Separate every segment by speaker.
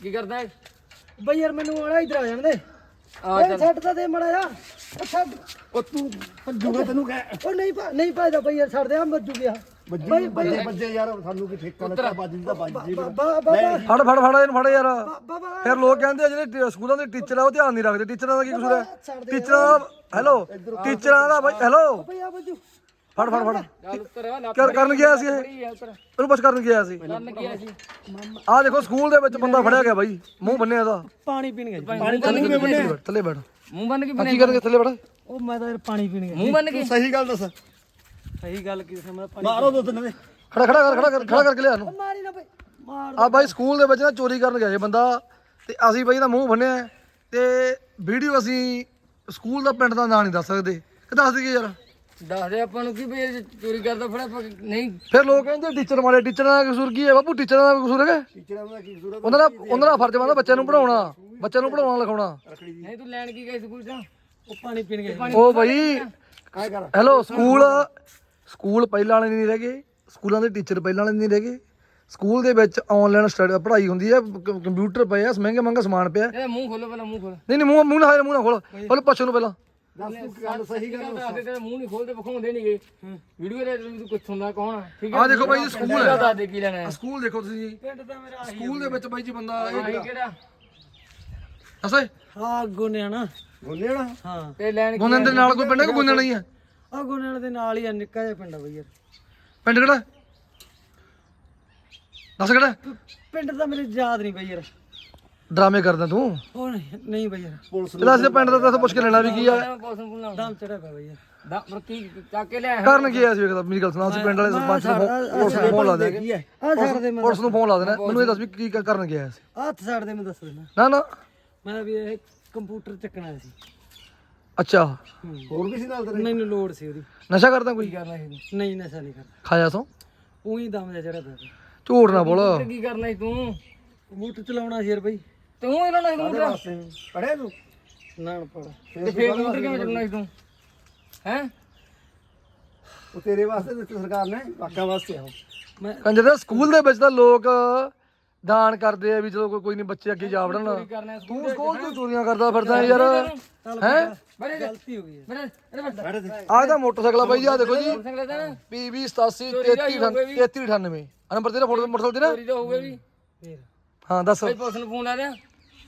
Speaker 1: ਕੀ ਕਰਦਾ ਹੈ
Speaker 2: ਬਈ ਯਾਰ ਮੈਨੂੰ ਆਣਾ ਇਧਰ ਆ ਜਾਣ ਦੇ
Speaker 1: ਆ ਚੱਲ
Speaker 2: ਛੱਡ ਤਾਂ ਦੇ ਮੜਾ ਯਾਰ ਉਹ ਛੱਡ
Speaker 3: ਉਹ ਤੂੰ ਭੱਜੂਗਾ ਤੈਨੂੰ ਕਹਿ
Speaker 2: ਉਹ ਨਹੀਂ ਭਜਦਾ ਬਈ ਯਾਰ ਛੱਡ ਦੇ ਆ ਮੱਜੂ ਗਿਆ ਬਈ
Speaker 3: ਬੱਜੇ ਯਾਰ ਸਾਨੂੰ ਕੀ ਠੇਕਾ ਲੱਗਾ ਬਾਜੀ ਦਾ ਬਾਜੀ
Speaker 2: ਬਾਬਾ
Speaker 4: ਫੜ ਇਹਨੂੰ ਫੜ ਯਾਰ
Speaker 2: ਬਾਬਾ
Speaker 4: ਫਿਰ ਲੋਕ ਕਹਿੰਦੇ ਆ ਜਿਹੜੇ ਸਕੂਲਾਂ ਦੇ ਟੀਚਰ ਆ ਉਹ ਧਿਆਨ ਨਹੀਂ ਰੱਖਦੇ ਟੀਚਰਾਂ ਦਾ ਕੀ ਕਸੂਰ ਹੈ ਟੀਚਰਾਂ ਦਾ ਹੈਲੋ ਟੀਚਰਾਂ ਦਾ ਬਾਈ ਹੈਲੋ
Speaker 2: ਬਈ ਆ ਮੱਜੂ
Speaker 4: ਫੜ
Speaker 1: ਚੱਲ ਉੱਤਰ ਆ ਲੱਤ
Speaker 4: ਕਰਨ ਗਿਆ ਸੀ ਇਹ
Speaker 1: ਬੜੀ ਹੈ ਉੱਤਰ
Speaker 4: ਇਹਨੂੰ ਕੁਛ ਕਰਨ ਗਿਆ ਸੀ
Speaker 1: ਕਰਨ ਗਿਆ ਸੀ
Speaker 4: ਆਹ ਦੇਖੋ ਸਕੂਲ ਦੇ ਵਿੱਚ ਬੰਦਾ ਫੜਿਆ ਗਿਆ ਬਾਈ ਮੂੰਹ ਬੰਨਿਆ ਇਹਦਾ
Speaker 2: ਪਾਣੀ ਪੀਣ ਗਿਆ
Speaker 4: ਥੱਲੇ ਬੈਠ
Speaker 1: ਮੂੰਹ ਬੰਨ ਕੇ
Speaker 4: ਕੀ ਕਰਨਗੇ ਥੱਲੇ ਬੈਠ
Speaker 2: ਉਹ ਮੈਂ ਤਾਂ ਯਾਰ ਪਾਣੀ ਪੀਣ ਗਿਆ
Speaker 1: ਮੂੰਹ ਬੰਨ ਕੇ
Speaker 3: ਸਹੀ ਗੱਲ ਦੱਸ
Speaker 2: ਸਹੀ ਗੱਲ ਕੀ ਸਮਝ ਪਾਣੀ
Speaker 3: ਮਾਰੋ ਦੋ ਤਿੰਨ ਦੇ
Speaker 4: ਖੜਾ ਕਰਕੇ ਲਿਆ ਇਹਨੂੰ
Speaker 2: ਮਾਰੀ ਨਾ ਬਈ ਮਾਰ
Speaker 4: ਆ ਬਾਈ ਸਕੂਲ ਦੇ ਵਿੱਚ ਨਾ ਚੋਰੀ ਕਰਨ ਗਿਆ ਇਹ ਬੰਦਾ ਤੇ ਅਸੀਂ ਬਾਈ ਦਾ ਮੂੰਹ ਬੰਨਿਆ ਤੇ ਵੀਡੀਓ ਅਸੀਂ ਸਕੂਲ ਦਾ ਪਿੰਡ ਦਾ ਨਾਂ ਨਹੀਂ ਦੱਸ ਸਕਦੇ ਕਿ ਦੱਸ ਦਈਏ ਯਾਰ
Speaker 1: ਦੱਸ ਦੇ ਆਪਾਂ ਨੂੰ ਕੀ ਵੀ ਇਹ ਚੋਰੀ ਕਰਦਾ ਫੜਾ ਨਹੀਂ
Speaker 4: ਫਿਰ ਲੋਕ ਕਹਿੰਦੇ ਟੀਚਰ ਮਾਰੇ ਟੀਚਰਾਂ ਦਾ ਕਸੂਰ ਕੀ ਹੈ ਬਾਪੂ ਟੀਚਰਾਂ ਦਾ ਕਸੂਰ ਹੈਗਾ
Speaker 3: ਟੀਚਰਾਂ ਦਾ ਕੀ ਜ਼ਰੂਰਤ
Speaker 4: ਉਹਨਾਂ ਦਾ ਫਰਜ਼ ਬਣਦਾ ਬੱਚਿਆਂ ਨੂੰ ਪੜਾਉਣਾ ਲਿਖਾਉਣਾ
Speaker 1: ਨਹੀਂ ਤੂੰ ਲੈਣ ਕੀ ਗਈ ਸਕੂਲ ਤੋਂ
Speaker 2: ਉਹ ਪਾਣੀ ਪੀਣ ਗਿਆ
Speaker 4: ਉਹ ਬਾਈ ਹੈਲੋ ਸਕੂਲ ਪਹਿਲਾਂ ਵਾਲੇ ਨਹੀਂ ਰਹਿ ਗਏ ਸਕੂਲਾਂ ਦੇ ਟੀਚਰ ਪਹਿਲਾਂ ਵਾਲੇ ਨਹੀਂ ਰਹਿ ਗਏ ਸਕੂਲ ਦੇ ਵਿੱਚ ਆਨਲਾਈਨ ਸਟੱਡੀ ਪੜ੍ਹਾਈ ਹੁੰਦੀ ਹੈ ਕੰਪਿਊਟਰ ਪਏ ਆ ਮਹਿੰਗਾ ਸਮਾਨ ਪਿਆ
Speaker 1: ਇਹਦਾ ਮੂੰਹ ਖੋਲੋ ਪਹਿਲਾਂ ਮੂੰਹ ਖੋਲ
Speaker 4: ਨਹੀਂ ਮੂੰਹ ਨਾ ਖੋਲ ਪਹਿਲਾਂ ਪੁੱਛ ਨੂੰ ਪਹਿਲਾਂ
Speaker 3: ਦੱਸ ਤੂੰ ਗੱਲ ਸਹੀ ਗੱਲ
Speaker 1: ਦੱਸ ਦੇ ਤੇਰਾ ਮੂੰਹ ਨਹੀਂ ਖੋਲਦੇ ਵਿਖਾਉਂਦੇ ਨਹੀਂਗੇ ਵੀਡੀਓ ਦੇ ਤੂੰ ਕੁਛ ਹੁੰਦਾ ਕੌਣ ਆ ਠੀਕ
Speaker 4: ਆਹ ਦੇਖੋ ਬਾਈ ਜੀ ਸਕੂਲ ਹੈ
Speaker 1: ਦੱਸ ਦੇ ਕੀ ਲੈਣਾ ਹੈ
Speaker 4: ਸਕੂਲ ਦੇਖੋ ਤੁਸੀਂ
Speaker 2: ਪਿੰਡ ਦਾ ਮੇਰਾ
Speaker 4: ਸਕੂਲ ਦੇ ਵਿੱਚ ਬਾਈ ਜੀ ਬੰਦਾ
Speaker 1: ਆਹੀ ਕਿਹੜਾ
Speaker 4: ਅਸੇ
Speaker 2: ਹਾਂ ਗੋਨਿਆਣਾ
Speaker 3: ਗੋਨੇੜਾ
Speaker 2: ਹਾਂ
Speaker 1: ਤੇ ਲੈਣ ਕੀ
Speaker 4: ਗੁੰਨਣ ਦੇ ਨਾਲ ਕੋਈ ਪਿੰਡ ਹੈ ਕਿ ਗੁੰਨਣ ਨਹੀਂ ਹੈ
Speaker 2: ਆ ਗੋਨਿਆਣਾ ਦੇ ਨਾਲ ਹੀ ਆ ਨਿੱਕਾ ਜਿਹਾ ਪਿੰਡ ਆ ਬਈ ਯਾਰ
Speaker 4: ਪਿੰਡ ਕਿਹੜਾ ਦੱਸ ਕਿਹੜਾ
Speaker 2: ਪਿੰਡ ਦਾ ਮੇਰੇ ਯਾਦ ਨਹੀਂ ਬਈ ਯਾਰ
Speaker 4: ਡਰਾਮੇ ਕਰਦਾ ਤੂੰ
Speaker 2: ਉਹ ਨਹੀਂ ਬਈ ਯਾਰ
Speaker 3: ਪੁਲਿਸ
Speaker 4: ਇਹਦਾ ਅਸੀਂ ਪਿੰਡ ਦਾ ਤਾਂ ਪੁੱਛ ਕੇ ਲੈਣਾ ਵੀ ਕੀ ਆ
Speaker 1: ਪੌਸਨ ਪੁੱਲਣਾ
Speaker 2: ਦਮ ਚੜਿਆ ਪਿਆ ਬਈ ਯਾਰ
Speaker 1: ਦਾ ਕੀ ਚੱਕ ਕੇ ਲਿਆ
Speaker 4: ਕਰਨ ਕੀ ਆ ਸੀ ਵੇਖਦਾ ਮੇਰੀ ਗੱਲ ਸੁਣਾ ਅਸੀਂ ਪਿੰਡ ਵਾਲੇ ਸਰਪੰਚ ਨੂੰ ਪੁਲਿਸ ਨੂੰ ਫੋਨ ਲਾ ਦੇ
Speaker 3: ਕੀ ਹੈ
Speaker 2: ਆ ਛੱਡ ਦੇ ਮੈਂ
Speaker 4: ਪੁਲਿਸ ਨੂੰ ਫੋਨ ਲਾ ਦੇਣਾ ਮੈਨੂੰ ਇਹ ਦੱਸ ਵੀ ਕੀ ਕਰਨ ਗਿਆ ਸੀ
Speaker 2: ਹੱਥ ਛੱਡ ਦੇ ਮੈਂ ਦੱਸ ਦੇਣਾ
Speaker 4: ਨਾ
Speaker 2: ਮੈਂ ਵੀ ਇਹ ਕੰਪਿਊਟਰ ਚੱਕਣਾ ਸੀ
Speaker 4: ਅੱਛਾ
Speaker 3: ਹੋਰ ਵੀ ਸੀ ਨਾਲ ਤੇਰੇ
Speaker 2: ਮੈਨੂੰ ਲੋੜ ਸੀ ਉਹਦੀ
Speaker 4: ਨਸ਼ਾ ਕਰਦਾ ਕੋਈ
Speaker 1: ਕਰਨਾ ਸੀ
Speaker 2: ਨਹੀਂ ਨਸ਼ਾ ਨਹੀਂ ਕਰਦਾ
Speaker 4: ਖਾਇਆ ਸੋ
Speaker 2: ਉਹੀ ਦਮ ਜਿਹਾ ਚੜਿਆ ਪਿਆ ਸੀ।
Speaker 4: ਝੂਠ ਨਾ ਬੋਲ
Speaker 1: ਤੂੰ ਕੀ ਕਰਨਾ ਸੀ ਤੂੰ
Speaker 2: ਕੰਪਿਊਟਰ ਚਲਾਉਣਾ ਸੀ ਯਾਰ ਬਈ
Speaker 1: ਤੂੰ ਇਹਨਾਂ ਨਾਲ ਕੰਪਿਊਟਰ
Speaker 3: ਪੜਿਆ ਤੂੰ
Speaker 2: ਨਾ ਪੜ
Speaker 1: ਤੇ ਫੇਰ ਕੰਪਿਊਟਰ ਕਿਵੇਂ ਚੱਲਣਾ ਸੀ ਤੂੰ ਹੈ
Speaker 3: ਉਹ ਤੇਰੇ ਵਾਸਤੇ ਦਿੱਤੀ ਸਰਕਾਰ ਨੇ ਵਾਕਾਂ ਵਾਸਤੇ ਆ
Speaker 2: ਮੈਂ
Speaker 4: ਕੰਜਰ ਦੇ ਸਕੂਲ ਦੇ ਵਿੱਚ ਤਾਂ ਲੋਕ ਦਾਨ ਕਰਦੇ ਆ ਵੀ ਚਲੋ ਕੋਈ ਨਹੀਂ ਬੱਚੇ ਅੱਗੇ ਜਾ ਵੜਨ
Speaker 1: ਕਰਨਾ
Speaker 4: ਤੂੰ ਸਕੂਲ ਤੋਂ ਚੋਰੀਆਂ ਕਰਦਾ ਫਿਰਦਾ ਯਾਰ ਹੈ
Speaker 1: ਬੜੇ
Speaker 2: ਗਲਤੀ ਹੋ ਗਈ ਹੈ
Speaker 1: ਬੜੇ ਅਰੇ ਬੜੇ
Speaker 4: ਆਹ ਤਾਂ ਮੋਟਰਸਾਈਕਲ ਆ ਬਾਈ ਜੀ ਆ ਦੇਖੋ ਜੀ
Speaker 1: ਸੰਗਲੇ ਦਾ ਨਾ
Speaker 4: PB 87 3398 ਆ ਨੰਬਰ ਤੇਰਾ ਫੋਟੋ ਮੋਟਰਸਾਈਕਲ ਤੇ ਨਾ
Speaker 1: ਚੋਰੀ ਤਾਂ ਹੋਊਗਾ ਵੀ
Speaker 2: ਫੇਰ
Speaker 4: ਹਾਂ ਦੱਸ
Speaker 1: ਭਾਈ ਪੁਲਿਸ ਨੂੰ ਫੋਨ ਲਾ ਦਿਆਂ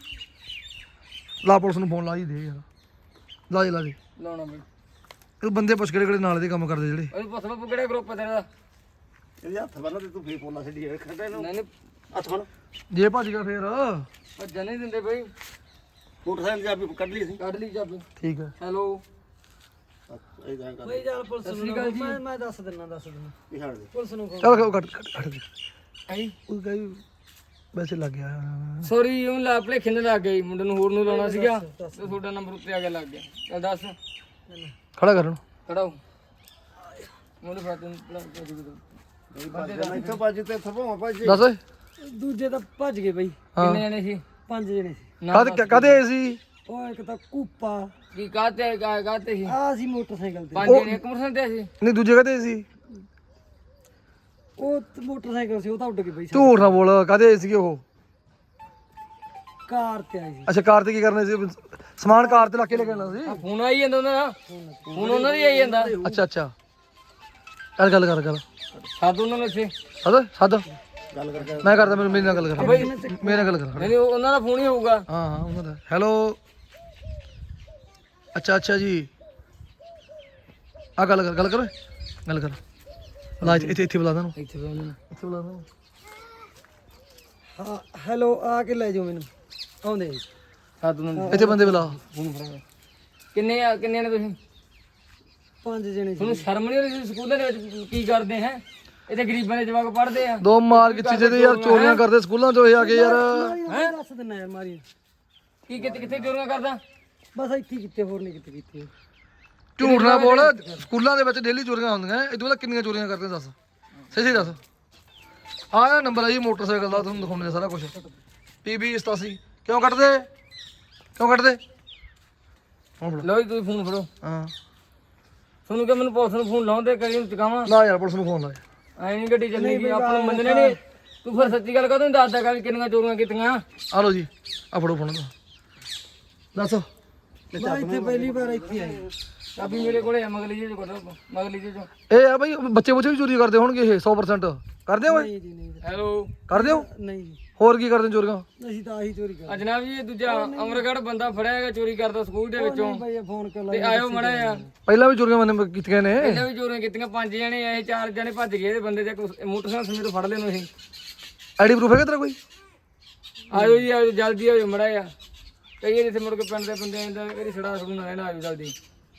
Speaker 4: ਲਾ ਪੁਲਿਸ ਨੂੰ ਫੋਨ ਲਾ ਹੀ ਦੇ ਯਾਰ ਲਾ ਦੇ
Speaker 1: ਲਾਉਣਾ ਬਈ
Speaker 4: ਇਹ ਬੰਦੇ ਪੁੱਛ ਕਿਹੜੇ ਨਾਲ ਦੇ ਕੰਮ ਕਰਦੇ ਜਿਹੜੇ
Speaker 1: ਉਹ ਪੁੱਛ ਲਓ ਕਿਹੜਾ ਗਰੁੱਪ ਹੈ ਤੇਰਾ
Speaker 3: ਇਹਦੇ ਹੱਥ ਬੰਨ ਤੇ ਤੂੰ ਫੇਰ ਪੋਲਾ ਛੱਡੀ ਖੱਟੇ ਨੂੰ
Speaker 1: ਨਹੀਂ ਨਹੀਂ
Speaker 3: ਹੱਥ ਬੰਨ
Speaker 4: ਜੇ ਭੱਜ ਗਿਆ ਫੇਰ
Speaker 1: ਭੱਜਣ ਨਹੀਂ ਦਿੰਦੇ ਬਈ
Speaker 3: ਮੋਟਰਸਾਈਕਲ ਚਾਬੀ ਕੱਢ ਲਈ ਸੀ
Speaker 1: ਕੱਢ ਲਈ ਚਾਬੀ
Speaker 4: ਠੀਕ ਹੈ
Speaker 1: ਹੈਲੋ
Speaker 3: ਇਦਾਂ ਕਰ
Speaker 2: ਬਈ ਯਾਰ ਪੁਲਿਸ ਨੂੰ ਮੈਂ ਦੱਸ ਦਿੰਦਾ
Speaker 3: ਕੀ ਛੱਡ ਦੇ
Speaker 2: ਪੁਲਿਸ ਨੂੰ
Speaker 4: ਚਲ ਕੱਟ ਦੇ
Speaker 1: ਆਈ
Speaker 4: ਉਹ ਕਹੀ ਵੈਸੇ ਲੱਗ ਗਿਆ
Speaker 1: ਸੌਰੀ ਉਹ ਲਾ ਭਲੇਖੇ ਨਾਲ ਲੱਗ ਗਈ ਮੁੰਡੇ ਨੂੰ ਹੋਰ ਨੂੰ ਲਾਉਣਾ ਸੀਗਾ ਤੇ ਤੁਹਾਡਾ ਨੰਬਰ ਉੱਤੇ ਆ ਗਿਆ ਲੱਗ ਗਿਆ ਚੱਲ ਦੱਸ
Speaker 4: ਖੜਾ ਕਰਨ
Speaker 1: ਖੜਾਓ ਮੁੰਡੇ ਫਾਤਨ
Speaker 3: ਇੱਥੋਂ ਭੱਜ ਤੇ ਥਪਾਵਾਂ ਭੱਜ
Speaker 4: ਦੱਸ ਓਏ
Speaker 2: ਦੂਜੇ ਤਾਂ ਭੱਜ ਗਏ ਬਈ
Speaker 1: ਕਿੰਨੇ ਜਣੇ ਸੀ
Speaker 2: 5 ਜਣੇ ਸੀ
Speaker 4: ਕਦੇ ਆਏ ਸੀ
Speaker 2: ਉਹ ਇੱਕ ਤਾਂ ਕੂਪਾ
Speaker 1: ਕੀ ਕਾਤੇ ਸੀ
Speaker 2: ਆ ਸੀ ਮੋਟਰਸਾਈਕਲ ਤੇ
Speaker 1: ਪੰਜ ਜਣੇ ਇੱਕ ਮੋਟਰਸਾਈਕਲ ਤੇ ਸੀ
Speaker 4: ਨਹੀਂ ਦੂਜੇ ਕਦੇ ਸੀ
Speaker 2: ਉਹ ਮੋਟਰਸਾਈਕਲ ਸੀ ਉਹ ਤਾਂ ਉੱਡ ਗਈ ਬਈ
Speaker 4: ਝੂਠ ਨਾ ਬੋਲ ਕਦੇ ਆਏ ਸੀਗੇ ਉਹ
Speaker 2: ਕਾਰ ਤੇ ਆਈ ਸੀ
Speaker 4: ਅੱਛਾ ਕਾਰ ਤੇ ਕੀ ਕਰਨੇ ਸੀ ਸਮਾਨ ਕਾਰ ਤੇ ਲਾ ਕੇ ਲੈ ਕੇ ਆਉਣਾ ਸੀ
Speaker 1: ਫੋਨ ਆਈ ਜਾਂਦਾ ਉਹਨਾਂ ਦਾ ਫੋਨ ਉਹਨਾਂ ਦੀ ਆਈ ਜਾਂਦਾ
Speaker 4: ਅੱਛਾ ਗੱਲ ਕਰ
Speaker 1: ਸਾਧ ਉਹਨਾਂ ਨੂੰ ਇੱਥੇ
Speaker 4: ਸੱਦ
Speaker 3: ਗੱਲ ਕਰਕੇ
Speaker 4: ਮੈਂ ਕਰਦਾ ਮੇਰੇ ਨਾਲ ਗੱਲ ਕਰ ਮੇਰੇ ਨਾਲ ਗੱਲ ਕਰ
Speaker 1: ਨਹੀਂ ਉਹਨਾਂ ਦਾ ਫੋਨ ਹੀ ਹੋਊਗਾ
Speaker 4: ਹਾਂ ਉਹਨਾਂ ਦਾ ਹੈਲੋ ਅੱਛਾ ਜੀ ਆ ਗੱਲ ਕਰ ਲਾ ਇੱਥੇ ਬੁਲਾ ਦਾਂ
Speaker 1: ਇੱਥੇ ਬੋਲਣਾ
Speaker 4: ਇੱਥੇ ਬੁਲਾ ਦਾਂ
Speaker 2: ਹਾਂ ਹੈਲੋ ਆ ਕੇ ਲੈ ਜਾਓ ਮੈਨੂੰ ਆਉਂਦੇ ਜੀ।
Speaker 1: ਸਾਧ ਉਹਨਾਂ ਨੂੰ
Speaker 4: ਇੱਥੇ ਬੰਦੇ ਬੁਲਾ
Speaker 1: ਫੋਨ ਫੜਾ ਕਿੰਨੇ ਨੇ ਤੁਸੀਂ
Speaker 2: 5 ਜਣੇ ਸੀ
Speaker 1: ਤੁਹਾਨੂੰ ਸ਼ਰਮ ਨਹੀਂ ਆਉਂਦੀ ਸਕੂਲਾਂ ਦੇ ਵਿੱਚ ਕੀ ਕਰਦੇ ਹੈ ਇੱਥੇ ਗਰੀਬਾਂ ਦੇ ਜਵਾਕ ਪੜ੍ਹਦੇ ਆ
Speaker 4: ਦੋ ਮਾਰ ਕਿੱਥੇ ਜਿਹਦੇ ਯਾਰ ਚੋਰੀਆਂ ਕਰਦੇ ਸਕੂਲਾਂ ਚੋਂ ਇਹ ਆ ਕੇ ਯਾਰ
Speaker 2: ਮੈਂ ਦੱਸ ਦਿੰਦਾ ਯਾਰ ਮਾਰੀ
Speaker 1: ਕੀ ਕਿੱਥੇ ਚੋਰੀਆਂ ਕਰਦਾ
Speaker 2: ਬਸ ਇੱਥੇ ਕਿਤੇ ਹੋਰ ਨਹੀਂ ਕਿਤੇ ਕੀਤੀ
Speaker 4: ਝੂਠ ਨਾ ਬੋਲ ਸਕੂਲਾਂ ਦੇ ਵਿੱਚ ਡੇਲੀ ਚੋਰੀਆਂ ਹੁੰਦੀਆਂ ਇਹ ਤੋਂ ਬਾਅਦ ਕਿੰਨੀਆਂ ਚੋਰੀਆਂ ਕਰਦੇ ਦੱਸ ਸਹੀ ਦੱਸ ਆਹ ਨੰਬਰ ਆ ਜੀ ਮੋਟਰਸਾਈਕਲ ਦਾ ਤੁਹਾਨੂੰ ਦਿਖਾਉਣੇ ਸਾਰਾ ਕੁਝ PB 87 ਕਿਉਂ ਕੱਟਦੇ ਹੁਣ
Speaker 1: ਲਓ ਜੀ ਤੁਸੀਂ ਫੋਨ ਫੜੋ
Speaker 4: ਹਾਂ
Speaker 1: ਤੁਹਾਨੂੰ ਕਿ ਮੈਨੂੰ ਪੁਲਿਸ ਨੂੰ ਫੋਨ ਲਾਉਂਦੇ ਕਰੀ ਨੂੰ ਚਕਾਵਾਂ
Speaker 4: ਨਾ ਯਾਰ ਪੁਲਿਸ ਨੂੰ ਫੋਨ ਲਾ
Speaker 1: ਐ ਨਹੀਂ ਗੱਡੀ ਚੱਲੇਗੀ ਆਪਾਂ ਨੂੰ ਮੰਨਣੇ ਨਹੀਂ ਤੂੰ ਫਿਰ ਸੱਚੀ ਗੱਲ ਕਦੋਂ ਦੱਸਦਾ ਕਿ ਕਿੰਨੀਆਂ ਚੋਰੀਆਂ ਕੀਤੀਆਂ?
Speaker 4: ਆ ਲਓ ਜੀ ਆ ਫੜੋ ਫੋਨ ਦਾ ਦੱਸ।
Speaker 2: ਮੈਂ ਇੱਥੇ ਪਹਿਲੀ ਵਾਰ ਇੱਥੇ ਆਈ।
Speaker 1: ਚਾਬੀ ਮੇਰੇ ਕੋਲੇ ਆ ਮਗਲੀ ਜੀ ਕੋਲ, ਮਗਲੀ ਜੀ ਚੋਂ।
Speaker 4: ਇਹ ਆ ਬਈ ਬੱਚੇ ਵੀ ਚੋਰੀ ਕਰਦੇ ਹੋਣਗੇ ਇਹ 100% ਕਰਦੇ ਹੋ
Speaker 2: ਨਹੀਂ ਜੀ ਨਹੀਂ
Speaker 1: ਹੈਲੋ
Speaker 4: ਕਰਦੇ ਹੋ
Speaker 2: ਨਹੀਂ ਜੀ,
Speaker 4: ਹੋਰ ਕੀ ਕਰਦੇ ਚੋਰੀਆਂ?
Speaker 2: ਅਸੀਂ ਤਾਂ ਆਹੀ ਚੋਰੀ ਕਰਦੇ।
Speaker 1: ਜਨਾਬ ਜੀ ਇਹ ਦੂਜਾ ਅਮਰਗੜ੍ਹ ਬੰਦਾ ਫੜਿਆ ਹੈਗਾ ਚੋਰੀ ਕਰਦਾ ਸਕੂਲ ਦੇ ਵਿੱਚੋਂ।
Speaker 2: ਭਾਈ ਇਹ ਫੋਨ ਕਰ
Speaker 1: ਤੇ ਆਇਓ ਮੜਾ ਆ
Speaker 4: ਪਹਿਲਾਂ ਵੀ ਚੋਰੀਆਂ ਮੈਨੇ ਕੀਤੀਆਂ ਨੇ।
Speaker 1: ਪਹਿਲਾਂ ਵੀ ਚੋਰੀਆਂ ਕੀਤੀਆਂ, 5 ਜਣੇ ਆਏ, 4 ਜਣੇ ਭੱਜ ਗਏ। ਇਹਦੇ ਬੰਦੇ ਤੇ ਮੋਟਰਸਾਈਕਲ ਸਮੇਤ ਫੜ ਲੈਣੋ ਅਸੀਂ।
Speaker 4: ਆਈਡੀ ਪ੍ਰੂਫ ਹੈਗਾ ਤੇਰਾ ਕੋਈ?
Speaker 1: ਆਇਓ ਜੀ ਆਇਓ, ਜਲਦੀ ਆਇਓ ਮੜਾ ਆ। ਕਈ ਵਾਰੀ ਇੱਥੇ ਮੁੜ ਕੇ ਪਿੰਡ ਦੇ ਬੰਦੇ ਆਂਦਾ ਇਹਦੀ ਛੜਾ ਛੜੂ ਨਾ ਰਹਿਣਾ, ਆਇਓ ਜਲਦੀ।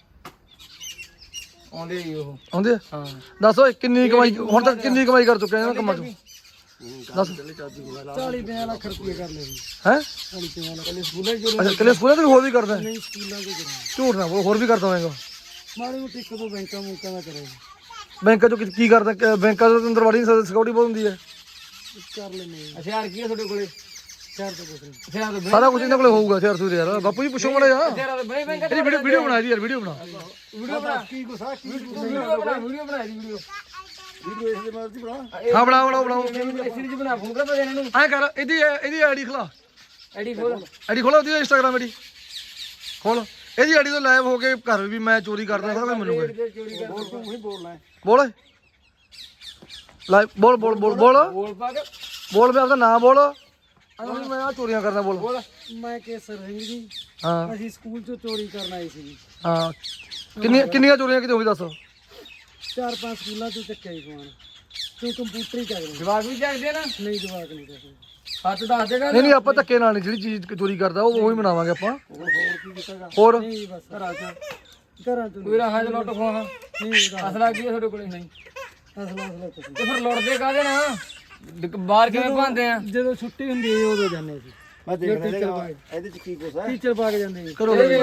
Speaker 1: ਆਉਂਦੇ ਜੀ ਉਹ
Speaker 4: ਆਉਂਦੇ ਆ?
Speaker 1: ਹਾਂ।
Speaker 4: ਦੱਸ ਓਏ ਕਿੰਨੀ ਕਮਾਈ ਹੁਣ ਤੱਕ ਕਿੰਨੀ ਕਮਾਈ ਕਰ ਚੁੱਕੇ ਆ ਇਹਨਾਂ ਕੰਮਾਂ ਚੋਂ? ਦੱਸ।
Speaker 2: 40-50 ਲੱਖ ਰੁਪਏ ਕਰ ਲਏ ਜੀ।
Speaker 4: ਹੈ
Speaker 2: 40-50 ਲੱਖ
Speaker 1: ਸਕੂਲਾਂ 'ਚ ਚੋਰੀ
Speaker 4: ਅੱਛਾ ਕੱਲੇ ਸਕੂਲਾਂ ਤੇ ਹੋਰ ਵੀ ਕਰਦਾ ਹੈ?
Speaker 2: ਨਹੀਂ ਸਕੂਲਾਂ ਦੇ ਕਰਾਂਗੇ।
Speaker 4: ਝੂਠ ਨਾ ਬੋਲ, ਹੋਰ ਵੀ ਕਰਦਾ ਹੋਵੇਗਾ।
Speaker 2: ਮਾੜੀ ਮੋਟੀ ਇੱਕ ਦੋ ਬੈਂਕਾਂ ਮੁੰਕਾਂ ਦਾ ਕਰੇ
Speaker 4: ਬੈਂਕਾਂ ਚੋਂ ਕੀ ਕਰਦਾ? ਬੈਂਕਾਂ ਤੋਂ ਅੰਦਰ ਵੜੀ ਨਹੀਂ ਸਕਦਾ, ਸਿਕਿਉਰਿਟੀ ਬਹੁਤ ਹੁੰਦੀ ਹੈ।
Speaker 2: ਕਰ ਲੈਨੇ ਜੀ।
Speaker 1: ਹਥਿਆਰ ਕੀ ਆ ਤੁਹਾਡੇ ਕੋਲੇ?
Speaker 2: ਚਾਰ ਤੋਂ ਕੁਛ ਨਹੀਂ।
Speaker 1: ਹਥਿਆਰ ਤਾਂ
Speaker 4: ਸਾਰਾ ਕੁਝ ਇਹਨਾਂ ਕੋਲੇ ਹੋਊਗਾ ਸ਼ਹਿਰ ਸੂਰ ਯਾਰ। ਬਾਪੂ ਜੀ ਪੁੱਛੋ ਮੜਾ ਯਾਰ।
Speaker 1: ਹਥਿਆਰ ਤਾਂ ਬੜੇ ਬੈਂਕ
Speaker 4: ਇਹਦੀ ਵੀਡੀਓ ਬਣਾ ਜੀ ਯਾਰ, ਵੀਡੀਓ ਬਣਾ।
Speaker 1: ਵੀਡੀਓ ਬਣਾ
Speaker 3: ਕੀ ਗੁੱਸਾ ਕੀ
Speaker 1: ਵੀਡੀਓ ਬਣਾ ਵੀਡੀਓ
Speaker 3: ਵੀਡੀਓ ਇਸ ਦੇ ਮਰਜ਼ੀ ਬਣਾ।
Speaker 4: ਹਾਂ ਬਣਾਓ
Speaker 1: ਐਸੀ ਜੀ ਬਣਾ, ਫੋਨ ਕਰ ਪਾ ਇਹਨਾਂ ਨੂੰ।
Speaker 4: ਐ ਕਰ ਇਹਦੀ ਆਈਡੀ ਖਲਾ,
Speaker 1: ਆਈਡੀ ਖੋਲ।
Speaker 4: ਆਈਡੀ ਖੋਲੋ ਉਹਦੀ ਇੰਸਟਾਗ੍ਰਾਮ ਆਈਡੀ ਖੋਲ। ਇਹਦੀ ਆਈਡੀ ਤੋਂ ਲਾਈਵ ਹੋ ਕੇ ਘਰ ਵੀ ਮੈਂ ਚੋਰੀ ਕਰਦਾ ਸਾਰਾ ਕੁਝ ਮੈਨੂੰ ਕਹੇ।
Speaker 1: ਚੋਰੀ ਕਰ
Speaker 3: ਬੋਲ ਤੂੰ ਹੀ ਬੋਲਣਾ ਹੈ।
Speaker 4: ਬੋਲ ਲਾਈਵ ਬੋਲ ਬੋਲ ਬੋਲ ਬੋਲ
Speaker 1: ਬੋਲ ਪਾ ਕੇ
Speaker 4: ਬੋਲ ਵੀ ਆਪਦਾ ਨਾਮ ਬੋਲ। ਅਸੀਂ ਮੈਂ ਆ ਚੋਰੀਆਂ ਕਰਦਾ ਬੋਲ।
Speaker 2: ਮੈਂ ਕੇਸਰ ਸਿੰਘ ਜੀ।
Speaker 4: ਹਾਂ
Speaker 2: ਅਸੀਂ ਸਕੂਲ ਚੋਂ ਚੋਰੀ ਕਰਨ ਆਏ ਸੀ ਜੀ।
Speaker 4: ਹਾਂ ਕਿੰਨੀਆਂ ਚੋਰੀਆਂ ਕਿਤੇ ਹੋਈ ਦੱਸ?
Speaker 2: 4-5 ਸਕੂਲਾਂ ਚੋਂ ਚੱਕਿਆ ਜੀ ਸਮਾਨ। ਤੂੰ ਕੰਪਿਊਟਰ ਹੀ ਚੱਕਦੇ।
Speaker 1: ਜਵਾਬ ਵੀ ਚੱਕਦੇ ਨਾ,
Speaker 2: ਨਹੀਂ ਜਵਾਕ ਨਹੀਂ ਚੱਕਦੇ।
Speaker 1: ਹੱਥ ਦੱਸ ਦੇਗਾ।
Speaker 4: ਨਹੀਂ ਆਪਾਂ ਧੱਕੇ ਨਾਲ ਨਹੀਂ, ਜਿਹੜੀ ਚੀਜ਼ ਚੋਰੀ ਕਰਦਾ ਉਹ ਉਹੀ ਬਣਾਵਾਂਗੇ ਆਪਾਂ। ਹੋਰ
Speaker 2: ਨਹੀਂ ਜੀ ਬਸ ਘਰਾਂ ਚੋਂ
Speaker 1: ਕੋਈ ਰਾਹਾਂ ਚ ਲੁੱਟ ਖੋਹਾਂ
Speaker 2: ਨਹੀਂ
Speaker 1: ਅਸਲਾ ਕੀ ਆ ਤੁਹਾਡੇ ਕੋਲੇ? ਨਹੀਂ
Speaker 2: ਅਸਲਾ ਕੁਛ ਨਹੀਂ।
Speaker 1: ਤੇ ਫਿਰ ਲੁੱਟਦੇ ਕਾਹਦੇ ਨਾ? ਬਾਹਰ ਕਿਵੇਂ ਭਾਂਦੇ ਆ?
Speaker 2: ਜਦੋਂ ਛੁੱਟੀ ਹੁੰਦੀ ਹੈ ਉਦੋਂ ਜਾਂਦੇ ਸੀ।
Speaker 3: ਮੈਂ ਦੇਖ ਰਿਹਾ ਇਹਦੇ ਚ ਕੀ ਗੁੱਸਾ ਹੈ।
Speaker 2: ਟੀਚਰ ਪਾ ਕੇ ਜਾਂਦੇ ਜੀ।
Speaker 4: ਕਰੋ
Speaker 1: ਆਈਡੀ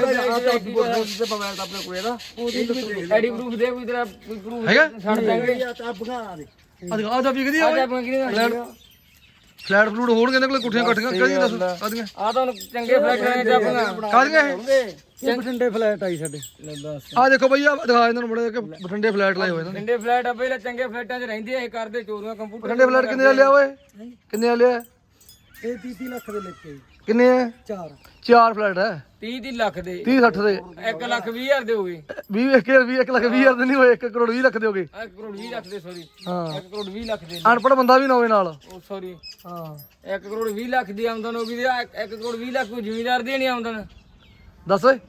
Speaker 1: ਪ੍ਰੂਫ ਦੇ, ਕੋਈ ਤੇਰਾ ਕੋਈ ਪ੍ਰੂਫ
Speaker 4: ਹੈਗਾ?
Speaker 1: ਛੱਡ ਦਾਂਗੇ।
Speaker 3: ਆ ਬਗਾ ਦੇ
Speaker 4: ਆ ਜਾ ਵਿਕਦੀ ਆ
Speaker 1: ਆ ਜਾ ਬੰਗਰੀ ਦਾ
Speaker 4: ਫਲੈਟ ਫਲੂਟ ਹੋਣਗੇ ਇਹਨਾਂ ਕੋਲੇ, ਕੁੱਠੀਆਂ ਕੱਟੀਆਂ ਕਿਹੜੀਆਂ ਦੱਸ ਕਾਦੀਆਂ?
Speaker 1: ਆ ਤਾਂ ਚੰਗੇ ਫਲੈਟਾਂ ਨੇ ਜਾਪੀਆਂ।
Speaker 4: ਕਾਦੀਆਂ ਇਹ?
Speaker 2: ਇਹ ਬਠਿੰਡੇ ਫਲੈਟ ਆਈ ਸਾਡੇ।
Speaker 4: ਆ ਦੇਖੋ ਬਈ ਆ ਦਿਖਾ ਇਹਨਾਂ ਨੂੰ ਬੜੇ ਕਿ ਬਠਿੰਡੇ ਫਲੈਟ ਲਾਏ ਹੋਏ ਇਹਨਾਂ ਨੇ।
Speaker 1: ਚੰਗੇ ਫਲੈਟ ਆ, ਪਹਿਲਾਂ ਚੰਗੇ ਫਲੈਟਾਂ 'ਚ ਰਹਿੰਦੇ ਆ, ਇਹ ਕਰਦੇ ਚੋਰੀਆਂ ਕੰਪਿਊਟਰ।
Speaker 4: ਬਠਿੰਡੇ ਫਲੈਟ ਕਿੰਨੇ ਦਾ ਲਿਆ ਓਏ? ਕਿੰਨੇ ਦਾ ਲਿਆ?
Speaker 2: ਇਹ 30 ਲੱਖ ਦੇ ਲਿਖੇ ਜੀ।
Speaker 4: ਕਿੰਨੇ ਹੈ?
Speaker 2: 4
Speaker 4: 4 ਫਲੈਟ ਹੈ।
Speaker 1: 30 ਲੱਖ ਦੇ
Speaker 4: 30 60 ਦੇ
Speaker 1: 1,20,000 ਦੇ ਹੋ ਗਏ।
Speaker 4: 20 1 ਲੱਖ 20 ਹਜ਼ਾਰ ਦੇ ਨਹੀਂ ਹੋਏ, 1 ਕਰੋੜ 20 ਲੱਖ ਦੇ ਹੋ ਗਏ।
Speaker 1: 1 ਕਰੋੜ 20 ਲੱਖ ਦੇ, ਸੌਰੀ
Speaker 4: ਹਾਂ
Speaker 1: 1 ਕਰੋੜ 20 ਲੱਖ ਦੇ।
Speaker 4: ਅਨਪੜ੍ਹ ਬੰਦਾ ਵੀ ਨਾ ਹੋਵੇ ਨਾਲ।
Speaker 1: ਉਹ ਸੌਰੀ
Speaker 4: ਹਾਂ
Speaker 1: 1 ਕਰੋੜ 20 ਲੱਖ ਦੀ ਆਮਦਨ ਹੋ ਗਈ ਤੇ 1 ਕਰੋੜ 20 ਲੱਖ ਕੋਈ ਜ਼ਿਮੀਦਾਰ ਦੀ ਨਹੀਂ ਆਮਦਨ।
Speaker 4: ਦੱਸ ਓਏ।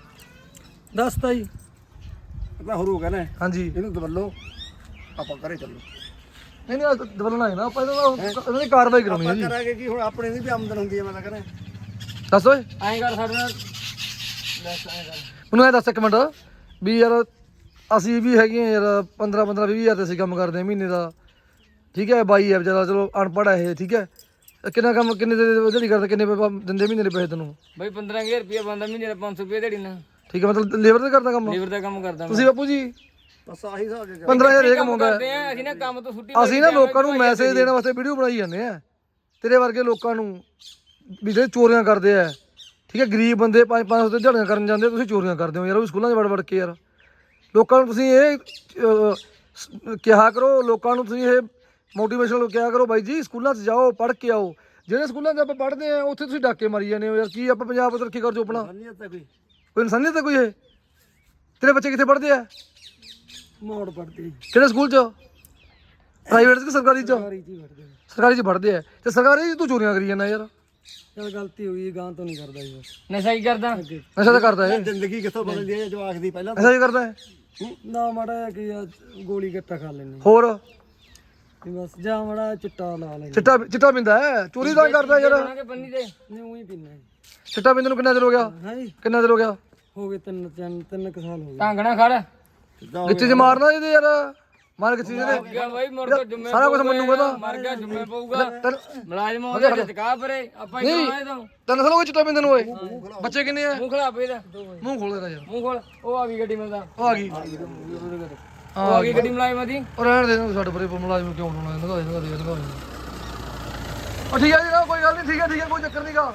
Speaker 2: ਦੱਸਤਾ ਜੀ।
Speaker 3: ਮੈਂ ਹੋਰ ਹੋ ਗਿਆ ਨਾ
Speaker 4: ਹਾਂਜੀ
Speaker 3: ਇਹਨੂੰ ਦਬੱਲੋ ਆਪਾਂ ਘਰੇ ਚੱਲੋ।
Speaker 4: ਨਹੀਂ ਦਬਲਣਾ ਹੈ ਨਾ ਆਪਾਂ ਇਹਨਾਂ ਦੀ ਕਾਰਵਾਈ ਕਰਾਉਣੀ ਹੈ
Speaker 3: ਆਪਾਂ
Speaker 4: ਜੀ।
Speaker 3: ਕਰਾਂਗੇ ਕੀ ਹੁਣ ਆਪਣੇ ਦੀ ਵੀ ਆਮਦਨ ਹੁੰਦੀ ਹੈ। ਮੈਂ ਤਾਂ ਕਹਿੰਦਾ
Speaker 4: ਦੱਸ ਓਏ
Speaker 1: ਐਂ ਕਰ ਸਾਡੇ ਨਾਲ ਦੱਸ ਐਂ ਕਰ।
Speaker 4: ਮੈਨੂੰ ਇਹ ਦੱਸ ਇੱਕ ਮਿੰਟ ਵੀ ਯਾਰ ਅਸੀਂ ਵੀ ਹੈਗੇ ਆ ਯਾਰ 15 20 ਹਜ਼ਾਰ ਤੇ ਅਸੀਂ ਕੰਮ ਕਰਦੇ ਆ ਮਹੀਨੇ ਦਾ, ਠੀਕ ਹੈ। ਬਾਈ ਹੈ ਵਿਚਾਰਾ ਚਲੋ ਅਨਪੜ੍ਹ ਹੈ ਇਹ, ਠੀਕ ਹੈ। ਕਿੰਨਾ ਕੰਮ ਕਿੰਨੇ ਦਿਹਾੜੀ ਕਰਦਾ, ਕਿੰਨੇ ਦਿੰਦੇ ਮਹੀਨੇ ਦੇ ਪੈਸੇ ਤੈਨੂੰ?
Speaker 1: ਬਈ 15,000 ਰੁਪਇਆ ਬੰਦਾ ਮਹੀਨੇ ਦਾ 500 ਰੁਪਏ ਦਿਹਾੜੀ ਨਾ।
Speaker 4: ਠੀਕ ਹੈ, ਮਤਲਬ ਲੇਬਰ ਤੇ ਕਰਦਾ ਕੰਮ?
Speaker 1: ਲੇਬਰ ਦਾ ਕੰਮ ਕਰਦਾ ਮੈਂ।
Speaker 4: ਤੁਸੀਂ ਬਾਪੂ ਜੀ
Speaker 3: ਬਸ ਆਹੀ ਹਿਸਾਬ ਜੇ
Speaker 4: 15,000 ਇਹ ਕਮਾਉਂਦਾ ਹੈ।
Speaker 1: ਕਰਦੇ ਆ ਅਸੀਂ ਨਾ ਕੰਮ ਤੋਂ ਛੁੱਟੀ
Speaker 4: ਅਸੀਂ ਨਾ ਲੋਕਾਂ ਨੂੰ ਮੈਸੇਜ ਦੇਣ ਵਾਸਤੇ ਵੀਡੀਓ ਬਣਾਈ ਜਾਂਦੇ ਆ, ਤੇਰੇ ਵਰਗੇ ਲੋਕਾਂ ਨੂੰ ਵੀ ਜਿਹੜੇ ਚੋਰੀਆਂ ਕਰਦੇ ਆ, ਠੀਕ ਹੈ। ਗਰੀਬ ਬੰਦੇ 500 ਤੇ ਦਿਹਾੜੀਆਂ ਕਰਨ ਜਾਂਦੇ, ਤੁਸੀਂ ਚੋਰੀਆਂ ਕਰਦੇ ਹੋ ਯਾਰ। ਉਹ ਵੀ ਸਕੂਲਾਂ 'ਚ ਵੜ ਕੇ ਯਾਰ। ਲੋਕਾਂ ਨੂੰ ਤੁਸੀਂ ਇਹ ਕਿਹਾ ਕਰੋ, ਲੋਕਾਂ ਨੂੰ ਤੁਸੀਂ ਇਹ ਮੋਟੀਵੇਸ਼ਨਲ ਕਿਹਾ ਕਰੋ, ਬਾਈ ਜੀ ਸਕੂਲਾਂ 'ਚ ਜਾਓ, ਪੜ੍ਹ ਕੇ ਆਓ। ਜਿਹੜੇ ਸਕੂਲਾਂ 'ਚ ਆਪਾਂ ਪੜ੍ਹਦੇ ਆ ਉੱਥੇ ਤੁਸੀਂ ਡਾਕੇ ਮਾਰੀ ਜਾਂਦੇ ਹੋ ਯਾਰ। ਕੀ ਆਪਾਂ ਪੰਜਾਬ ਤਰੱਕੀ ਕਰ ਜੋ ਆਪਣਾ?
Speaker 3: ਨਹੀਂ ਤਾਂ ਕੋਈ
Speaker 4: ਕੋਈ ਇਨਸਾਨੀਅਤ ਹੈ ਕੋਈ? ਇਹ ਤੇਰੇ ਬੱਚੇ ਕਿੱਥੇ ਪੜ੍ਹਦੇ ਆ?
Speaker 2: ਮੋੜ ਪੜਦੇ
Speaker 4: ਕਿਹੜੇ ਸਕੂਲ 'ਚ? ਪ੍ਰਾਈਵੇਟ 'ਚ ਕਿ ਸਰਕਾਰੀ 'ਚ?
Speaker 2: ਸਾਰੀ ਜੀ ਪੜਦੇ।
Speaker 4: ਸਰਕਾਰੀ 'ਚ ਪੜ੍ਹਦੇ ਆ ਤੇ ਸਰਕਾਰੀ 'ਚ ਤੂੰ ਚੋਰੀਆਂ ਕਰੀ ਜਾਂਦਾ ਯਾਰ।
Speaker 2: ਚਲ ਗਲਤੀ ਹੋ ਗਈ, ਗਾਂ ਤੋਂ ਨਹੀਂ ਕਰਦਾ ਜੀ ਬਸ।
Speaker 1: ਨਸ਼ਾ ਹੀ ਕਰਦਾ।
Speaker 4: ਨਸ਼ਾ ਤਾਂ ਕਰਦਾ ਇਹ,
Speaker 3: ਜ਼ਿੰਦਗੀ ਕਿੱਥੋਂ ਬਦਲਦੀ ਹੈ ਜਵਾਕ ਦੀ ਪਹਿਲਾਂ
Speaker 4: ਨਸ਼ਾ ਹੀ ਕਰਦਾ ਹੈ।
Speaker 2: ਨਾ ਮਾੜਾ ਜਿਹਾ ਕੀ ਆ, ਗੋਲੀ ਗੱਟਾ ਖਾ ਲੈਣੇ
Speaker 4: ਹੋਰ
Speaker 2: ਬਸ। ਜਾਂ ਮਾੜਾ ਚਿੱਟਾ ਲਾ ਲੈਣੇ।
Speaker 4: ਚਿੱਟਾ ਪੀਂਦਾ ਹੈ, ਚੋਰੀ ਤਾਂ ਕਰਦਾ ਯਾਰ।
Speaker 1: ਕਿ ਬੰਨੀ ਦੇ
Speaker 2: ਨਹੀਂ ਉਹੀ ਪੀਣਾ ਜੀ।
Speaker 4: ਚਿੱਟਾ ਪੀਂਦੇ ਨੂੰ ਕਿੰਨਾ ਚਿਰ ਹੋ ਗਿਆ?
Speaker 2: ਹਾਂ ਜੀ
Speaker 4: ਕਿੰਨਾ ਚਿਰ ਹੋ ਗਿਆ?
Speaker 2: ਹੋ ਗਏ 3 ਕੁ ਸਾਲ ਹੋ ਗਏ।
Speaker 1: ਢਾਂਗਣਾ ਖੜ
Speaker 4: ਗਿੱਚੇ 'ਚ ਮਾਰਨਾ ਇਹਦੇ ਯਾਰ, ਮਾਰ ਗਿੱਚੇ 'ਚ
Speaker 1: ਗਿਆ ਬਾਈ। ਮੁੜ ਕੇ ਜੁੰਮੇ
Speaker 4: ਸਾਰਾ ਕੁਝ ਮੰਨੂਗਾ ਤਾਂ।
Speaker 1: ਮਰ ਗਿਆ, ਜੁੰਮੇ ਪਊਗਾ।
Speaker 4: ਤੈਨੂੰ
Speaker 1: ਮੁਲਾਜ਼ਮ ਉਹਦੇ ਵਿੱਚ ਕਾ ਪਰੇ ਆਪਾਂ ਹੀ ਕਰਾਏ ਤਾਂ।
Speaker 4: 3 ਸਾਲ ਹੋ ਗਏ ਚਿੱਟਾ ਪੀਂਦੇ ਨੂੰ ਓਏ। ਬੱਚੇ ਕਿੰਨੇ ਆ?
Speaker 1: ਮੂੰਹ ਖਲਾ ਪਈ ਦਾ,
Speaker 4: ਮੂੰਹ ਖੋਲ ਦੇ ਯਾਰ।
Speaker 1: ਮੂੰਹ ਖੋਲ। ਉਹ ਆ ਗਈ ਗੱਡੀ ਮਿਲਦਾ,
Speaker 4: ਉਹ ਆ ਗਈ,
Speaker 1: ਉਹ ਆ ਗਈ ਗੱਡੀ ਮੁਲਾਜ਼ਮਾਂ ਦੀ।
Speaker 4: ਉਹ ਰਹਿਣ ਦੇ ਇਹਨੂੰ, ਸਾਡੇ ਪਰੇ ਮੁਲਾਜ਼ਮ ਕਿਉਂ ਬਣਾਉਣਾ? ਲਗਾ ਦੇ ਉਹ ਠੀਕ ਹੈ ਜੀ, ਕੋਈ ਗੱਲ ਨਹੀਂ, ਠੀਕ ਹੈ ਕੋਈ ਚੱਕਰ ਨਹੀਂਗਾ।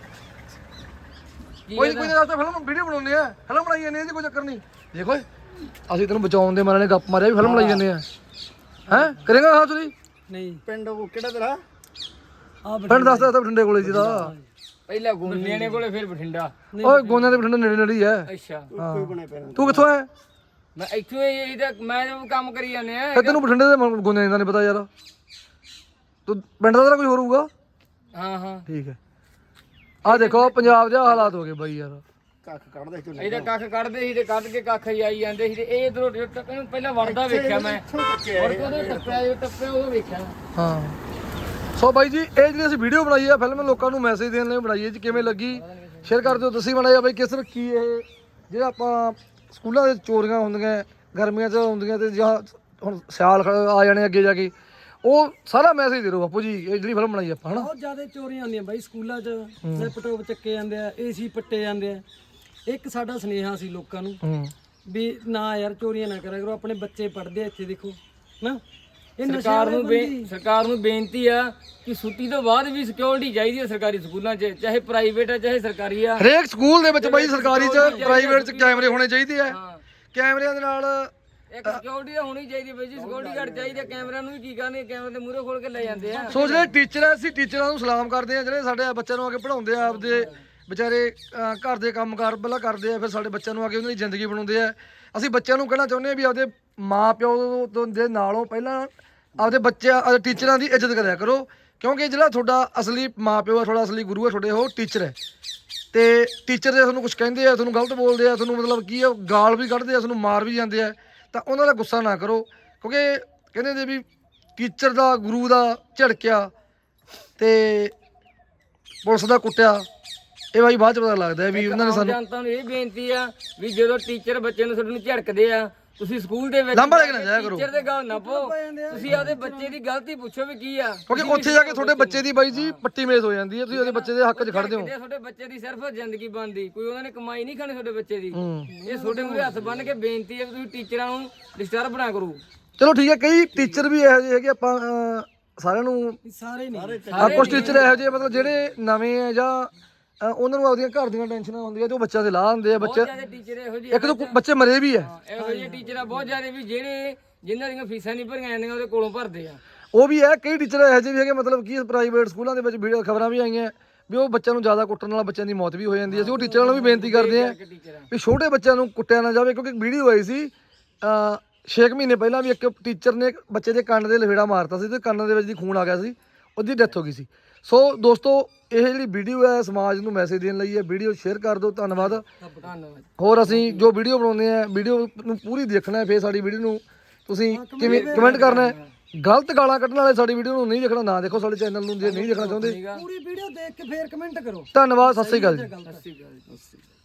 Speaker 4: ਕੋਈ ਨਹੀਂ ਫਿਲਮ ਵੀਡੀਓ ਬਣਾਉਂਦੇ ਆ, ਫਿਲਮ ਬਣਾਈ ਜਾਂਦੇ ਆ ਜੀ, ਕੋਈ ਚੱਕਰ ਨਹੀਂ। ਦੇਖੋ ਅਸੀਂ ਤੈਨੂੰ ਬਚਾਉਣ ਦੇ ਮਾਰੇ ਨੇ ਗੱਪ ਮਾਰਿਆ ਵੀ ਫਿਲਮ ਬਣਾਈ ਜਾਂਦੇ ਆ। ਹੈਂ ਕਰੇਗਾ? ਹਾਂ ਚਲੀ
Speaker 2: ਨਹੀਂ
Speaker 3: ਪਿੰਡ ਉਹ ਕਿਹੜਾ ਤੇਰਾ?
Speaker 2: ਆ
Speaker 4: ਪਿੰਡ ਦੱਸਦਾ ਤਾਂ ਬਠਿੰਡੇ ਕੋਲੇ ਜੀ ਦਾ।
Speaker 1: ਪਹਿਲਾਂ ਗੋਨਿਆਣੇ ਕੋਲੇ ਫਿਰ ਬਠਿੰਡਾ।
Speaker 4: ਓਏ ਗੋਨਿਆਂ ਦੇ ਬਠਿੰਡੇ ਨੇੜੇ ਨੇੜੇ ਹੀ ਹੈ।
Speaker 1: ਅੱਛਾ
Speaker 3: ਕੋਈ ਬਣੇ ਪੈਣਾ।
Speaker 4: ਤੂੰ ਕਿੱਥੋਂ ਹੈ?
Speaker 1: ਮੈਂ ਇੱਥੋਂ ਇਹਦਾ ਮੈਂ ਜੋ ਕੰਮ ਕਰੀ ਜਾਂਦੇ ਆ।
Speaker 4: ਤੈਨੂੰ ਬਠਿੰਡੇ ਦੇ ਗੋਨਿਆਂ ਦਾ ਨਹੀਂ ਪਤਾ ਯਾਰ। ਤੂੰ ਪਿੰਡ ਦਾ ਤੇਰਾ ਕੋਈ ਹੋਰ ਹੋਊਗਾ?
Speaker 1: ਹਾਂ ਹਾਂ
Speaker 4: ਠੀਕ ਹੈ। ਆ ਦੇਖੋ ਪੰਜਾਬ ਦੇ ਹਾਲਾਤ ਹੋ ਗਏ ਬਾਈ ਯਾਰ।
Speaker 3: ਕੱਖ ਕੱਢਦੇ ਚੋਂ
Speaker 1: ਇਹਦਾ ਕੱਖ ਕੱਢਦੇ ਸੀ ਤੇ ਕੱਢ ਕੇ ਕੱਖ ਹੀ ਆਈ ਜਾਂਦੇ ਸੀ ਤੇ ਇਹ ਇਧਰੋਂ ਇਹਨੂੰ ਪਹਿਲਾਂ ਵੜਦਾ ਵੇਖਿਆ ਮੈਂ। ਮੁੜ ਕੇ ਉਹਦੇ ਟੱਪਿਆ ਉਹ ਵੇਖਿਆ।
Speaker 4: ਹਾਂ ਸੋ ਬਾਈ ਜੀ ਇਹ ਜਿਹੜੀ ਅਸੀਂ ਵੀਡੀਓ ਬਣਾਈ ਆ ਫਿਲਮ ਲੋਕਾਂ ਨੂੰ ਮੈਸੇਜ ਦੇਣ ਲਈ ਬਣਾਈ ਹੈ ਜੀ। ਕਿਵੇਂ ਲੱਗੀ ਸ਼ੇਅਰ ਕਰ ਦਿਓ। ਤੁਸੀਂ ਬਣਾਇਆ ਬਾਈ ਕਿਸ ਤਰ੍ਹਾਂ ਕੀ ਇਹ ਜਿਹੜਾ ਆਪਾਂ ਸਕੂਲਾਂ ਦੇ ਚੋਰੀਆਂ ਹੁੰਦੀਆਂ ਗਰਮੀਆਂ 'ਚ ਹੁੰਦੀਆਂ ਤੇ ਜਾਂ ਹੁਣ ਸਿਆਲ ਆ ਜਾਣੇ ਅੱਗੇ ਜਾ ਕੇ ਉਹ ਸਾਰਾ ਮੈਸੇਜ ਦੇ ਦਿਓ ਬਾਪੂ ਜੀ। ਇਹ ਜਿਹੜੀ ਫਿਲਮ ਬਣਾਈ ਆਪਾਂ ਹਨਾ
Speaker 2: ਬਹੁਤ ਜ਼ਿਆਦਾ ਚੋਰੀਆਂ ਹੁੰਦੀਆਂ ਬਾਈ ਸਕੂਲਾਂ 'ਚ। ਲੈਪਟਾਪ ਚੱਕੇ ਜਾਂਦੇ ਆ, ਏਸੀ ਪੱਟੇ ਜਾਂਦੇ ਆ। ਇੱਕ ਸਾਡਾ ਸੁਨੇਹਾ ਸੀ ਲੋਕਾਂ ਨੂੰ ਵੀ ਨਾ ਯਾਰ ਚੋਰੀਆਂ ਨਾ ਕਰਿਆ ਕਰੋ। ਆਪਣੇ ਬੱਚੇ ਪੜ੍ਹਦੇ ਆ ਇੱਥੇ ਦੇਖੋ ਨਾ। ਇਹ
Speaker 1: ਸਰਕਾਰ ਨੂੰ ਬੇਨਤੀ ਆ ਕਿ ਛੁੱਟੀ ਤੋਂ ਬਾਅਦ ਵੀ ਸਿਕਿਉਰਿਟੀ ਚਾਹੀਦੀ ਹੈ ਸਰਕਾਰੀ ਸਕੂਲਾਂ 'ਚ, ਚਾਹੇ ਪ੍ਰਾਈਵੇਟ ਆ ਚਾਹੇ ਸਰਕਾਰੀ ਆ।
Speaker 4: ਹਰੇਕ ਸਕੂਲ ਦੇ ਵਿੱਚ ਬਾਈ ਸਰਕਾਰੀ 'ਚ ਪ੍ਰਾਈਵੇਟ 'ਚ ਕੈਮਰੇ ਹੋਣੇ ਚਾਹੀਦੇ ਆ। ਕੈਮਰਿਆਂ ਦੇ ਨਾਲ
Speaker 1: ਇੱਕ ਸਿਕਿਉਰਿਟੀ ਤਾਂ ਹੋਣੀ ਚਾਹੀਦੀ ਹੈ ਬਈ ਜੀ। ਸਿਕਿਉਰਿਟੀ ਗਾਰਡ ਚਾਹੀਦਾ। ਕੈਮਰਿਆਂ ਨੂੰ ਵੀ ਕੀ ਕਰਨੇ, ਕੈਮਰੇ ਦੇ ਮੂਹਰੇ ਖੋਲ ਕੇ ਲੈ ਜਾਂਦੇ ਆ।
Speaker 4: ਸੋ ਜਿਹੜੇ ਟੀਚਰ ਆ ਅਸੀਂ ਟੀਚਰਾਂ ਨੂੰ ਸਲਾਮ ਕਰਦੇ ਆ ਜਿਹੜੇ ਸਾਡੇ ਬੱਚਿਆਂ ਨੂੰ ਆ ਕੇ ਪੜਾਉਂਦੇ ਆ। ਆਪਦੇ ਵਿਚਾਰੇ ਘਰ ਦੇ ਕੰਮਕਾਰ ਪਹਿਲਾਂ ਕਰਦੇ ਆ ਫਿਰ ਸਾਡੇ ਬੱਚਿਆਂ ਨੂੰ ਆ ਕੇ ਉਹਨਾਂ ਦੀ ਜ਼ਿੰਦਗੀ ਬਣਾਉਂਦੇ ਆ। ਅਸੀਂ ਬੱਚਿਆਂ ਨੂੰ ਕਹਿਣਾ ਚਾਹੁੰਦੇ ਆ ਵੀ ਆਪਦੇ ਮਾਂ ਪਿਓ ਦੇ ਨਾਲੋਂ ਪਹਿਲਾਂ ਆਪਦੇ ਬੱਚਿਆਂ ਆਪਦੇ ਟੀਚਰਾਂ ਦੀ ਇੱਜ਼ਤ ਕਰਿਆ ਕਰੋ ਕਿਉਂਕਿ ਜਿਹੜਾ ਤੁਹਾਡਾ ਅਸਲੀ ਮਾਂ ਪਿਓ ਆ ਤੁਹਾਡਾ ਅਸਲੀ ਗੁਰੂ ਆ ਤੁਹਾਡੇ ਉਹ ਟੀਚਰ ਹੈ। ਤੇ ਟੀਚਰ ਦੇ ਤੁਹਾਨੂੰ ਕੁਝ ਕਹਿੰਦੇ ਆ ਤੁਹਾਨੂੰ ਗਲਤ ਬੋਲਦੇ ਆ ਤੁਹਾਨੂੰ ਮਤਲਬ ਕੀ ਆ ਗਾਲ ਵੀ ਕੱਢਦੇ ਆ ਤੁਹਾਨੂੰ ਮਾਰ ਵੀ ਜਾਂਦੇ ਆ ਤਾਂ ਉਹਨਾਂ ਦਾ ਗੁੱਸਾ ਨਾ ਕਰੋ ਕਿਉਂਕਿ ਕਹਿੰਦੇ ਨੇ ਵੀ ਟੀਚਰ ਦਾ ਗੁਰੂ ਦਾ ਝੜਕਿਆ ਤੇ ਪੁਲਿਸ ਦਾ ਕੁੱਟਿਆ ਇਹ ਬਾਈ ਬਾਅਦ ਚ ਪਤਾ ਲੱਗਦਾ ਵੀ ਉਹਨਾਂ ਨੇ ਸਾਨੂੰ
Speaker 1: ਜਨਤਾ ਨੂੰ ਇਹ ਬੇਨਤੀ ਆ ਵੀ ਜਦੋਂ ਟੀਚਰ ਬੱਚੇ ਨੂੰ ਤੁਹਾਨੂੰ ਝੜਕਦੇ ਆ ਤੁਸੀਂ ਸਕੂਲ ਦੇ ਵਿੱਚ
Speaker 4: ਲਾਂਭਾ ਲੈ ਕੇ ਨਾ ਜਾਇਆ ਕਰੋ।
Speaker 1: ਟੀਚਰ ਦੇ ਗੱਲ ਨਾ ਪਾਓ। ਤੁਸੀਂ ਆਪਦੇ ਬੱਚੇ ਦੀ ਗਲਤੀ ਪੁੱਛੋ ਵੀ ਕੀ ਆ
Speaker 4: ਕਿਉਂਕਿ ਉੱਥੇ ਜਾ ਕੇ ਤੁਹਾਡੇ ਬੱਚੇ ਦੀ ਬਾਈ ਜੀ ਪੱਟੀ ਮੇਜ਼ ਹੋ ਜਾਂਦੀ ਹੈ। ਤੁਸੀਂ ਉਹਦੇ ਬੱਚੇ ਦੇ ਹੱਕ 'ਚ ਖੜਦੇ ਹੋ।
Speaker 1: ਤੁਹਾਡੇ ਬੱਚੇ ਦੀ ਸਿਰਫ ਜ਼ਿੰਦਗੀ ਬਣਦੀ ਕੋਈ ਉਹਨਾਂ ਨੇ ਕਮਾਈ ਨਹੀਂ ਖਾਣੀ ਤੁਹਾਡੇ ਬੱਚੇ ਦੀ। ਇਹ ਤੁਹਾਡੇ ਮੂਹਰੇ ਹੱਥ ਬੰਨ ਕੇ ਬੇਨਤੀ ਹੈ ਵੀ ਤੁਸੀਂ ਟੀਚਰਾਂ ਨੂੰ ਡਿਸਟਰਬ ਨਾ ਕਰੋ।
Speaker 4: ਚਲੋ ਠੀਕ ਹੈ ਕਈ ਟੀਚਰ ਵੀ ਇਹੋ ਜਿਹੇ ਹੈਗੇ ਆਪਾਂ ਸਾਰਿਆਂ ਨੂੰ
Speaker 2: ਸਾਰੇ ਨਹੀਂ
Speaker 4: ਕੁਝ ਟੀਚਰ ਇਹੋ ਜਿਹੇ ਮਤਲਬ ਜਿਹੜੇ ਨਵੇਂ ਆ ਜਾਂ ਉਹਨਾਂ ਨੂੰ ਆਪਦੀਆਂ ਘਰ ਦੀਆਂ ਟੈਨਸ਼ਨਾਂ ਹੁੰਦੀਆਂ ਤੇ ਉਹ ਬੱਚਿਆਂ ਦੇ ਲਾਹ ਹੁੰਦੇ ਆ। ਬੱਚੇ
Speaker 1: ਟੀਚਰ ਇਹੋ ਜਿਹੇ
Speaker 4: ਇੱਕ ਦੋ ਬੱਚੇ ਮਰੇ ਵੀ ਆ।
Speaker 1: ਇਹੋ ਜਿਹੇ ਟੀਚਰ ਆ ਬਹੁਤ ਜ਼ਿਆਦਾ ਵੀ ਜਿਹੜੇ ਜਿਨ੍ਹਾਂ ਦੀਆਂ ਫੀਸਾਂ ਨਹੀਂ ਭਰੀਆਂ ਜਾਂਦੀਆਂ ਉਹਦੇ ਕੋਲੋਂ ਭਰਦੇ ਆ।
Speaker 4: ਉਹ ਵੀ ਹੈ ਕਈ ਟੀਚਰ ਇਹੋ ਜਿਹੇ ਵੀ ਹੈਗੇ ਮਤਲਬ ਕਿ ਪ੍ਰਾਈਵੇਟ ਸਕੂਲਾਂ ਦੇ ਵਿੱਚ ਵੀਡੀਓ ਖਬਰਾਂ ਵੀ ਆਈਆਂ ਵੀ ਉਹ ਬੱਚਿਆਂ ਨੂੰ ਜ਼ਿਆਦਾ ਕੁੱਟਣ ਨਾਲ ਬੱਚਿਆਂ ਦੀ ਮੌਤ ਵੀ ਹੋ ਜਾਂਦੀ ਹੈ। ਅਸੀਂ ਉਹ ਟੀਚਰਾਂ ਨੂੰ ਵੀ ਬੇਨਤੀ ਕਰਦੇ ਆ ਵੀ ਛੋਟੇ ਬੱਚਿਆਂ ਨੂੰ ਕੁੱਟਿਆ ਨਾ ਜਾਵੇ ਕਿਉਂਕਿ ਵੀਡੀਓ ਆਈ ਸੀ 6 ਮਹੀਨੇ ਪਹਿਲਾਂ ਵੀ ਇੱਕ ਟੀਚਰ ਨੇ ਬੱਚੇ ਦੇ ਕੰਨ ਦੇ ਲਫੇੜਾ ਮਾਰਤਾ ਸੀ ਤੇ ਕੰਨ ਦੇ ਵਿੱਚ ਦੀ ਖੂਨ ਆ ਗਿਆ ਸੀ ਉਹਦੀ ਡੈਥ ਹੋ ਗਈ ਸੀ। ਸੋ ਦੋਸਤੋ ਇਹ ਜਿਹੜੀ ਵੀਡੀਓ ਹੈ ਸਮਾਜ ਨੂੰ ਮੈਸੇਜ ਦੇਣ ਲਈ ਹੈ। ਵੀਡੀਓ ਸ਼ੇਅਰ ਕਰ ਦਿਓ। ਧੰਨਵਾਦ। ਹੋਰ ਅਸੀਂ ਜੋ ਵੀਡੀਓ ਬਣਾਉਂਦੇ ਆ ਵੀਡੀਓ ਨੂੰ ਪੂਰੀ ਦੇਖਣਾ ਹੈ ਫਿਰ ਸਾਡੀ ਵੀਡੀਓ ਨੂੰ ਤੁਸੀਂ ਕਿਵੇਂ ਕਮੈਂਟ ਕਰਨਾ ਹੈ। ਗਲਤ ਗਾਲਾਂ ਕੱਢਣ ਵਾਲੇ ਸਾਡੀ ਵੀਡੀਓ ਨੂੰ ਨਹੀਂ ਦੇਖਣਾ ਨਾ ਦੇਖੋ। ਸਾਡੇ ਚੈਨਲ ਨੂੰ ਜੇ ਨਹੀਂ ਦੇਖਣਾ ਚਾਹੁੰਦੇ
Speaker 2: ਪੂਰੀ ਵੀਡੀਓ ਦੇਖ ਕੇ ਫੇਰ ਕਮੈਂਟ ਕਰੋ।
Speaker 4: ਧੰਨਵਾਦ। ਸਤਿ ਸ਼੍ਰੀ ਅਕਾਲ ਜੀ।